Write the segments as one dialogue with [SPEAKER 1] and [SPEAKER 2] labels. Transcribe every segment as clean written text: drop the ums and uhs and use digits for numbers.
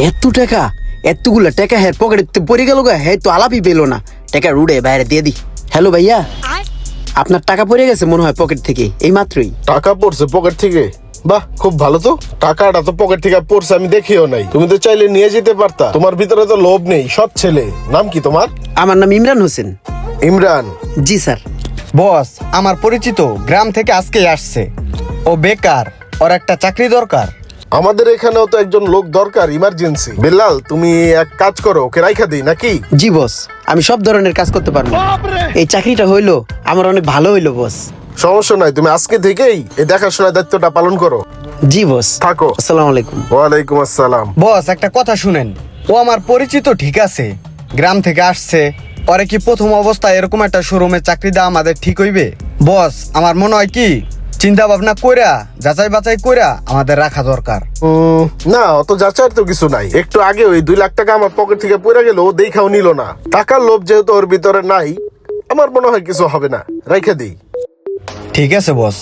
[SPEAKER 1] এত টাকা, এতগুলা টাকা হ্যাঁ পকেটে পড়ে গেল গা, হ্যাঁ তো আলাপই পেলো না। টাকা রুড়ে বাইরে দিয়ে দি। হ্যালো ভাইয়া, আপনার টাকা পড়ে গেছে মনে হয় পকেট থেকে এই মাত্রই।
[SPEAKER 2] টাকা পড়ছে পকেট থেকে? বাহ, খুব ভালো তো। টাকাটা তো পকেট থেকে পড়ছে আমি দেখিও নাই। তুমি তো চাইলে নিয়ে যেতে পারতা। তোমার ভিতরে তো লোভ নেই, সৎ ছেলে। নাম কি তোমার?
[SPEAKER 1] আমার নাম ইমরান হোসেন।
[SPEAKER 2] ইমরান?
[SPEAKER 1] জি স্যার।
[SPEAKER 3] বস আমার পরিচিত, গ্রাম থেকে আজকেই আসছে। ও বেকার, ওর একটা চাকরি দরকার।
[SPEAKER 2] আমাদের এখানেও তো একজন লোক দরকার, ইমার্জেন্সি। বেলাল, তুমি এক কাজ করো, ওকে রাইখা দিই নাকি?
[SPEAKER 1] জি বস, আমি সব ধরনের কাজ করতে পারবো। এই চাকরিটা হইলো আমার অনেক ভালো হইলো বস।
[SPEAKER 2] সমস্যা নাই, তুমি আজকে থেকেই এই দেখাশোনার দায়িত্বটা পালন করো।
[SPEAKER 1] জি বস।
[SPEAKER 2] থাকো।
[SPEAKER 1] আসসালামু আলাইকুম।
[SPEAKER 2] ওয়ালাইকুম আসসালাম।
[SPEAKER 3] বস একটা কথা শুনেন, ও আমার পরিচিত ঠিক আছে, গ্রাম থেকে আসছে। ওরে কি প্রথম অবস্থায় এরকম একটা শোরুমে চাকরি দেওয়া আমাদের ঠিক হইবে? বস আমার মনে হয় কি চিন্তা ভাবনা কইরা যাচাই বাছাই কইরা আমাদের রাখা দরকার।
[SPEAKER 2] না, অত যাচাইয়ের তো কিছু নাই। একটু আগে ওই 2 লাখ টাকা আমার পকেট থেকে পড়ে গেল, ও দেখাও নিল না। টাকার লোভ যেহেতু ওর ভিতরে নাই, আমার মনে হয় কিছু হবে না, রাইখা দিই।
[SPEAKER 3] ঠিক আছে বস।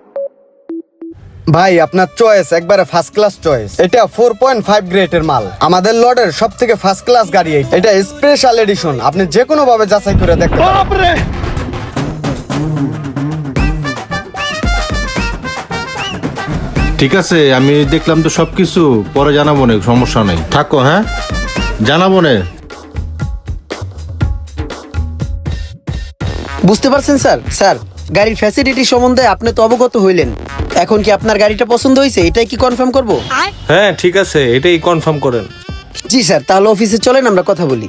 [SPEAKER 3] ভাই আপনার চয়েস একবারে ফার্স্ট ক্লাস চয়েস। এটা 4.5 গ্রেডের মাল, আমাদের লটের সব থেকে ফার্স্ট ক্লাস গাড়ি। এটা স্পেশাল এডিশন, আপনি যে কোনো ভাবে যাচাই করে দেখতে পারেন।
[SPEAKER 4] ঠিক আছে, আমি দেখলাম তো সবকিছু, পরে জানাবো না, সমস্যা নেই। থাকো, হ্যাঁ জানাবো না।
[SPEAKER 1] বুঝতে পারছেন স্যার? স্যার, গাড়ির ফ্যাসিলিটি সম্বন্ধে আপনি তো অবগত হইলেন। এখন কি আপনার গাড়িটা পছন্দ হয়েছে, এটাই কি কনফার্ম করব?
[SPEAKER 5] হ্যাঁ ঠিক আছে, এটাই কনফার্ম করেন।
[SPEAKER 1] জি স্যার, তাহলে অফিসে চলেন আমরা কথা বলি।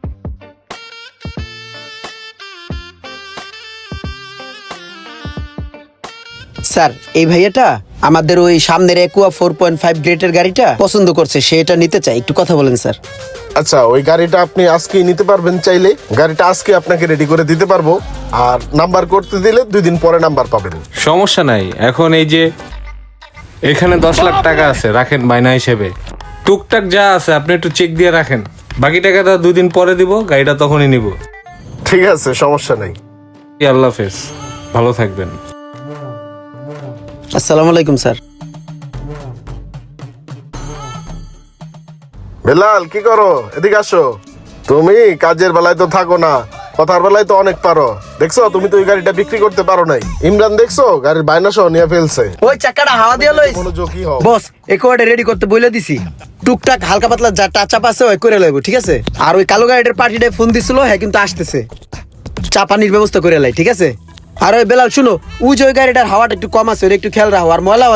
[SPEAKER 1] স্যার, এই ভাইয়াটা আমাদের ওই সামনের একুয়া 4.5 গ্রেডের গাড়িটা পছন্দ করছে, সে এটা নিতে চায়। একটু কথা বলেন স্যার।
[SPEAKER 2] আচ্ছা, ওই গাড়িটা আপনি আজকেই নিতে পারবেন চাইলে। গাড়িটা আজকে আপনাকে রেডি করে দিতে পারবো। আর নাম্বার করতে দিলে 2 দিন পরে নাম্বার পাবেন।
[SPEAKER 5] সমস্যা নাই। এখন এই যে এখানে 10 লাখ টাকা আছে, রাখেন বায়না হিসেবে। টুকটাক যা আছে আপনি একটু চেক দিয়ে রাখেন, বাকি টাকাটা 2 দিন পরে দিব, গাড়িটা তখনই নিব।
[SPEAKER 2] ঠিক আছে, সমস্যা নেই।
[SPEAKER 5] আল্লাহ হাফেজ, ভালো থাকবেন।
[SPEAKER 1] আসসালামু আলাইকুম স্যার।
[SPEAKER 2] বেলাল, কি করো? এদিকে আসো। তুমি কাজের বেলায় তো থাকো না, কথার বেলায় তো অনেক পারো। দেখছো, তুমি তো ওই গাড়িটা বিক্রি করতে পারো নাই। ইমরান দেখছো, গাড়ির বায়না সহ নিয়ে ফেলছে।
[SPEAKER 1] ওই চাকাটা হাওয়া দিয়ে লইস।
[SPEAKER 2] মনোযোগী হও।
[SPEAKER 1] বস, একুয়াটা রেডি করতে বলে দিছি। টুকটাক হালকা পাতলা যা টাচআপ আছে ওই করে লইব, ঠিক আছে? আর ওই কালো গাড়িটার পার্টিটায় ফোন দিছিল, হ্যাঁ কিন্তু আসতেছে। চা পানির ব্যবস্থা করে লাই, ঠিক আছে? আর ওই বেলাল শুনো, ওই যে ওই গাড়িটার হাওয়াটা একটু কম আছে, ওটা একটু খেয়াল রাখো। আর ময়লা